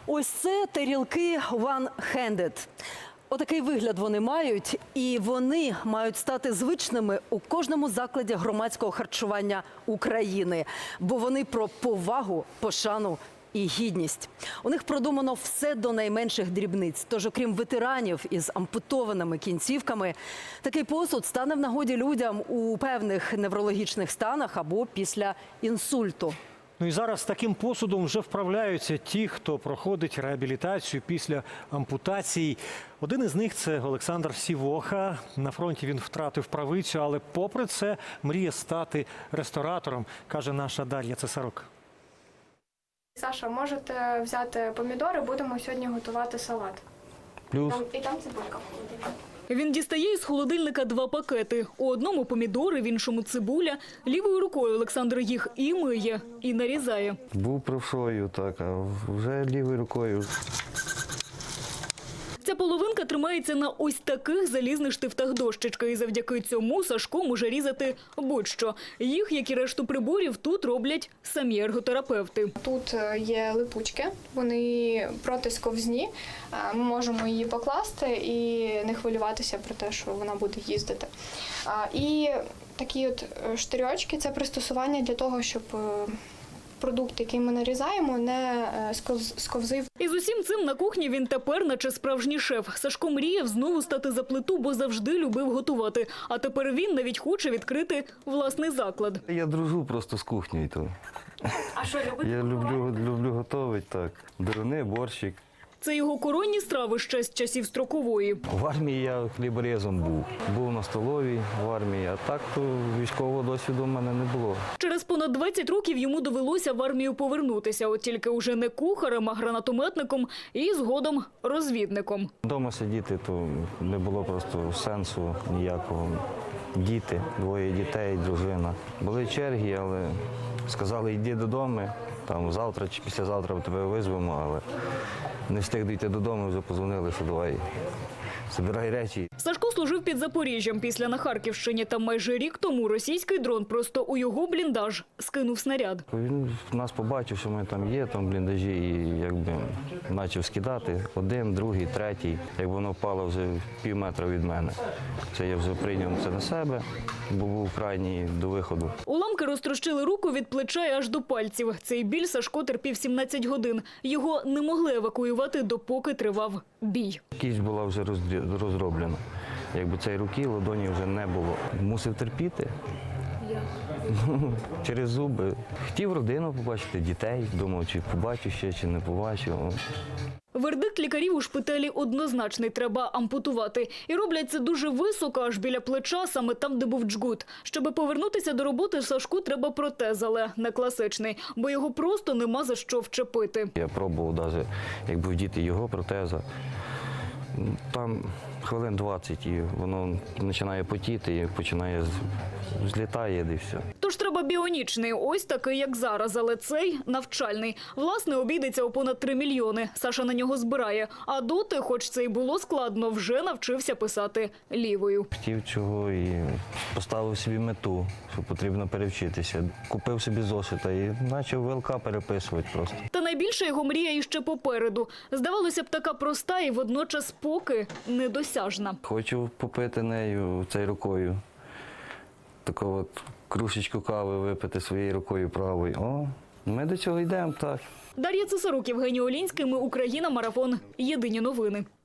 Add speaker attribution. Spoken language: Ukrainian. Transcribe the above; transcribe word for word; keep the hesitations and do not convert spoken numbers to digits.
Speaker 1: Ось це тарілки one-handed. Отакий вигляд вони мають, і вони мають стати звичними у кожному закладі громадського харчування України, бо вони про повагу, пошану і гідність. У них продумано все до найменших дрібниць. Тож, окрім ветеранів із ампутованими кінцівками, такий посуд стане в нагоді людям у певних неврологічних станах або після інсульту.
Speaker 2: Ну і зараз таким посудом вже вправляються ті, хто проходить реабілітацію після ампутацій. Один із них – це Олександр Сівоха. На фронті він втратив правицю, але попри це мріє стати ресторатором, каже наша Дар'я Цесарук.
Speaker 3: Саша, можете взяти помідори, будемо сьогодні готувати салат.
Speaker 2: Плюс.
Speaker 3: Там, і там цибулька.
Speaker 4: Він дістає із холодильника два пакети. У одному помідори, в іншому цибуля. Лівою рукою Олександр їх і миє, і нарізає.
Speaker 5: Був правшою, так, а вже лівою рукою.
Speaker 4: Ця половинка тримається на ось таких залізних штифтах дощечки. І завдяки цьому Сашко може різати будь-що. Їх, як і решту приборів, тут роблять самі ерготерапевти.
Speaker 3: Тут є липучки, вони протисковзні. Ми можемо її покласти і не хвилюватися про те, що вона буде їздити. І такі от штирьочки – це пристосування для того, щоб продукт, який ми нарізаємо, не сковзив.
Speaker 4: І з усім цим на кухні він тепер наче справжній шеф. Сашко мріяв знову стати за плиту, бо завжди любив готувати. А тепер він навіть хоче відкрити власний заклад.
Speaker 5: Я дружу просто з кухнею. То.
Speaker 4: А що любите?
Speaker 5: Я люблю, люблю готувати, так. Деруни, борщик.
Speaker 4: Це його коронні страви ще з часів строкової.
Speaker 5: В армії я хліборезом був. Був на столовій в армії, а так то військового досвіду в мене не було.
Speaker 4: Через понад двадцять років йому довелося в армію повернутися, от тільки уже не кухарем, а гранатометником і згодом розвідником.
Speaker 5: Дома сидіти то не було просто сенсу ніякого. Діти, двоє дітей, дружина. Були черги, але сказали, йди додому, там завтра чи післязавтра тебе визвемо, але не встиг дійти додому, вже подзвонили, що давай, збирай речі.
Speaker 4: Сашко служив під Запоріжжям після на Харківщині. Там майже рік тому російський дрон просто у його бліндаж скинув снаряд.
Speaker 5: Він нас побачив, що ми там є, там в бліндажі, і якби почав скидати. Один, другий, третій. Як воно впало вже пів метра від мене. Це я вже прийняв це на себе, бо був крайній до виходу.
Speaker 4: Уламки розтрощили руку від плеча аж до пальців. Цей біль Сашко терпів сімнадцять годин. Його не могли евакуювати, допоки тривав бій.
Speaker 5: Кість була вже розроблена. Якби цієї руки, ладоні вже не було. Мусив терпіти. Через зуби. Хотів родину побачити, дітей. Думав, чи побачу ще, чи не побачу.
Speaker 4: Вердикт лікарів у шпиталі однозначний – треба ампутувати. І роблять це дуже високо, аж біля плеча, саме там, де був джгут. Щоб повернутися до роботи, Сашку треба протез, але не класичний, бо його просто нема за що вчепити.
Speaker 5: Я пробував навіть, якби вдіти його протеза. Там хвилин двадцять, і воно починає потіти, і починає злітає, і все.
Speaker 4: Тож треба біонічний, ось такий, як зараз, але цей навчальний. Власне, обійдеться у понад три мільйони. Саша на нього збирає. А доти, хоч це й було складно, вже навчився писати лівою.
Speaker 5: Хотів чого і поставив собі мету, що потрібно перевчитися. Купив собі зошита і почав ВЛК переписувати просто.
Speaker 4: Та найбільша його мрія іще попереду. Здавалося б, така проста і водночас поки недосяжна.
Speaker 5: Хочу попити нею цією рукою. Таку от кружечку кави випити своєю рукою правою. О, ми до цього йдемо, так.
Speaker 4: Дар'я Цесарук, Євгеній Олінський. Ми Україна. Марафон. Єдині новини.